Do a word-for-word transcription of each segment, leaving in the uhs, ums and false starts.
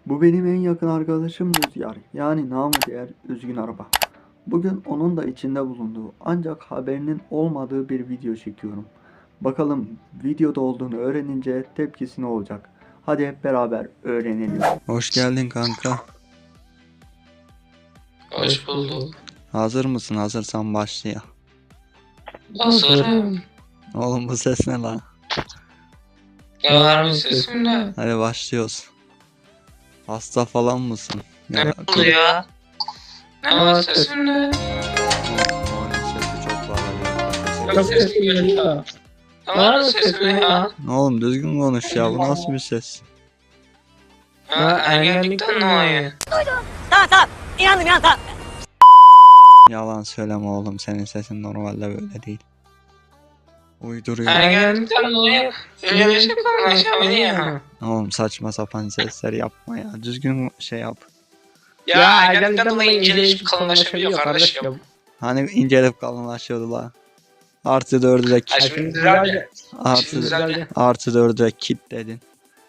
Bu benim en yakın arkadaşım Rüzgar. Yani namı diğer Üzgün Araba. Bugün onun da içinde bulunduğu ancak haberinin olmadığı bir video çekiyorum. Bakalım videoda olduğunu öğrenince tepkisi ne olacak? Hadi hep beraber öğrenelim. Hoş geldin kanka. Hoş bulduk. Hazır mısın? Hazırsan başlayalım. Hazırım. Oğlum bu ses ne lan? Ya harbi sesim ne? Hadi başlıyoruz. Hasta falan mısın? Ne oldu ya? Ne var sesim ne? Onun sesi çok bağlı. Çok sesim geliyor. Ne var sesim ya? Oğlum düzgün konuş ya, bu nasıl bir ses? Ha ergenlikten dolayı. Tamam tamam. İnandım inandım tamam. Yalan söyleme oğlum, senin sesin normalde böyle değil. Uyduruyor. Ergenlikten dolayı öyle bir şey konuşamadı ya. Oğlum saçma sapan sesler yapma ya. Düzgün şey yap. Ya ergenlikten dolayı inceleyip kalınlaşabiliyor kardeşim. Hani incelip kalınlaşıyordu la. Artı dördü de Ha kit. şimdi düzeldi. Şimdi Artı, düzeldi. artı dördü de kit dedin.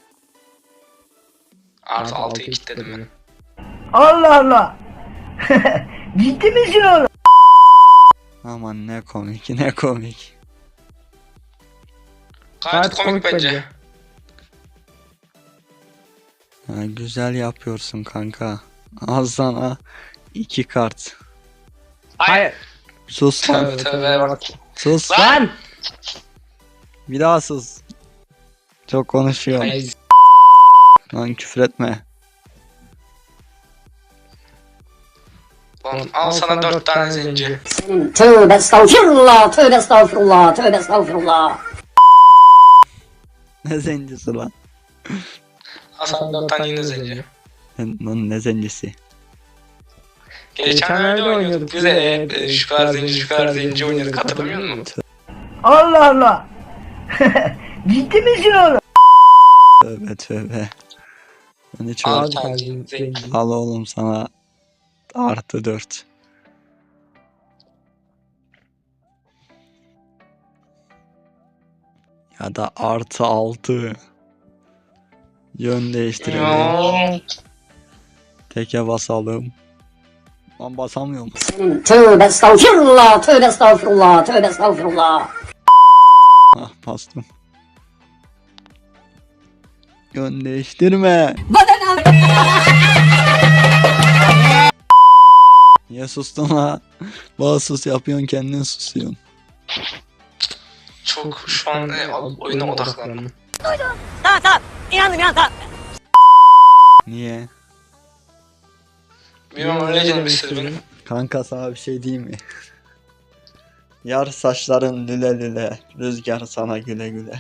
Artı altıyı kilitledim ben. Allah Allah. Ciddi misin oğlum? Aman ne komik ne komik. Gayet komik bence. Ha, güzel yapıyorsun kanka. Al sana iki kart. Hayır. Sus lan. Tövbe tövbe bak. Sus. Lan! Bir daha sus. Çok konuşuyorsun. Ay, Lan küfür etme. Lan al sana dört tane zenci. Tövbe estağfurullah. Tövbe estağfurullah. Tövbe estağfurullah. Ne zencisi lan? Al sana dört tane yine zenci. Lan ne zencisi? Geçenlerde oynuyorduk biz de e, şu kadar zenci şu kadar zenci oynuyorduk, hatırlamıyor musun? Allah Allah. Ciddi misin oğlum? Tövbe tövbe. Ben hiç öyle- Al tane zenci. Al oğlum sana artı dört. Ya da artı altı. Yön değiştirelim. Ya. Teke basalım. Lan basamıyorum. Tövbe estağfurullah. Tövbe estağfurullah. Tövbe estağfurullah. Ah bastım. Yön değiştirme. Niye sustun la? Bana sus yapıyorsun, kendin susuyorsun. Çok şu an e, oyuna odaklandım. Tamam tamam. İnandım inandım tamam. Niye? Bilmem, öyle canım istedi benim. Kanka sana bir şey diyeyim mi? Yar saçların lüle lüle, rüzgar sana güle güle.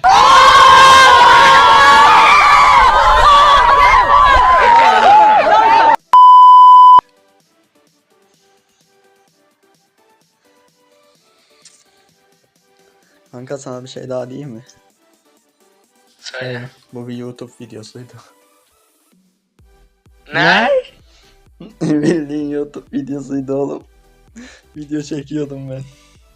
Kanka sana bir şey daha diyeyim mi? Söyle. Bu bir YouTube videosuydu. Ne? Bildiğin YouTube videosuydu oğlum. Video çekiyordum ben.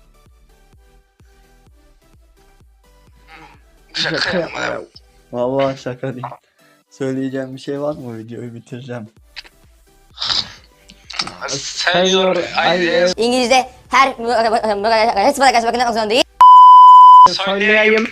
Şaka yapma ya. Vallahi şaka değil. Söyleyeceğim bir şey var mı? Videoyu bitireceğim. Seviyor. Ay, İngilizce her hepsi bana karşı bakılmak zorunda. söyleyeyim.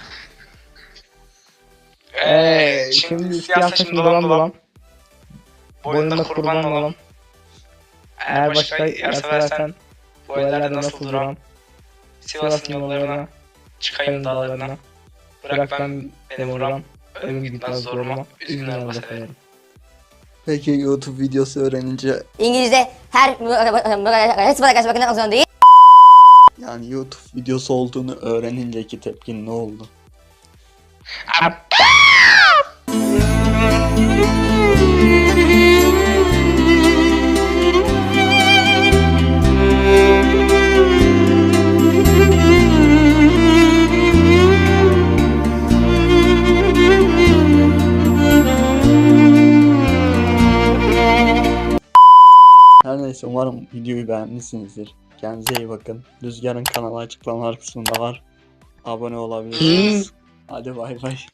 Eee şimdi siyah saçım dolan dolan. Boynunda kurban olan. Eğer başka yer seversen bu ellerde nasıl duram? Sivas'ın yollarına, çıkayım dağlarına. Bırak ben benim oram, ölüm gitmez zoruma, üzgün araba severim. Peki YouTube videosu öğrenince, İngilizce her hepsi bana karşı bakılmak zorunda. yani YouTube videosu olduğunu öğreninceki tepkin ne oldu? Her neyse, umarım videoyu beğenmişsinizdir. Kendinize iyi bakın. Rüzgar'ın kanalı açıklamalar kısmında var. Abone olabilirsiniz. Hadi bay bay.